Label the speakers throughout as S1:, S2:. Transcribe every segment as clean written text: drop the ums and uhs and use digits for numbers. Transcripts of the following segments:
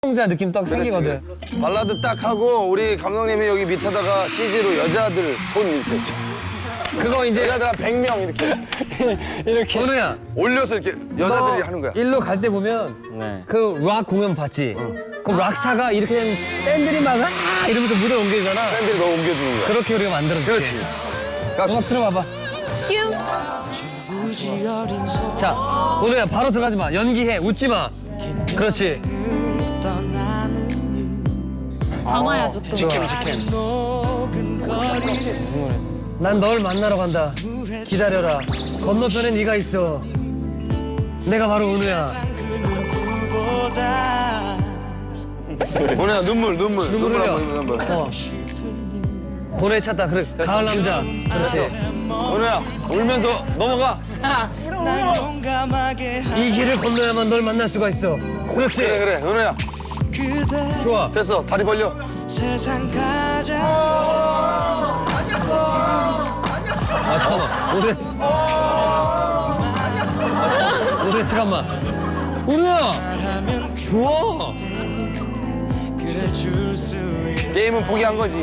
S1: 자 느낌 딱
S2: 그렇지.
S1: 생기거든.
S2: 발라드 딱 하고 우리 감독님이 여기 밑에다가 CG로 여자들 손 이렇게
S1: 그거 이제
S2: 여자들 한 100명 이렇게
S1: 이렇게. 은우야.
S2: 올려서 이렇게 여자들이 하는 거야.
S1: 일로 갈 때 보면
S3: 네.
S1: 그 락 공연 봤지? 그럼 락스타가 이렇게 그냥 팬들이 막 이러면서 무대 옮겨주잖아.
S2: 팬들이 너 옮겨주는 거야.
S1: 그렇게 우리가 만들어줄게.
S2: 그렇지.
S1: 한번 틀어봐봐.
S4: 큐.
S1: 자, 은우야 바로 들어가지 마. 연기해. 웃지 마. 그렇지.
S4: 담아야죠 또.
S1: 난 널 만나러 간다. 기다려라. 건너편에 네가 있어. 내가 바로 은우야.
S2: 뭐냐 눈물
S1: 흘려.
S2: 눈물.
S1: 고뇌 찾다. 그래. 가을 남자. 그렇지.
S2: 은우야 울면서 넘어가.
S1: 이 길을 건너야만 널 만날 수가 있어. 그렇지.
S2: 그래 은우야
S1: 좋아.
S2: 됐어 다리 벌려.
S1: 아 잠깐만. 오래 잠깐만. 은우야. 좋아.
S2: 게임은 포기한 거지.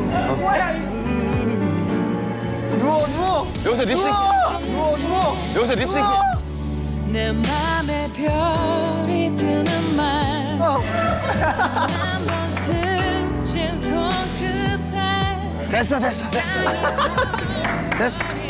S2: 누워. 여기서 립싱크. 여기서 립싱크.
S5: 내 맘에 별이 뜨는 말 한번 스친 손끝에
S2: 됐어.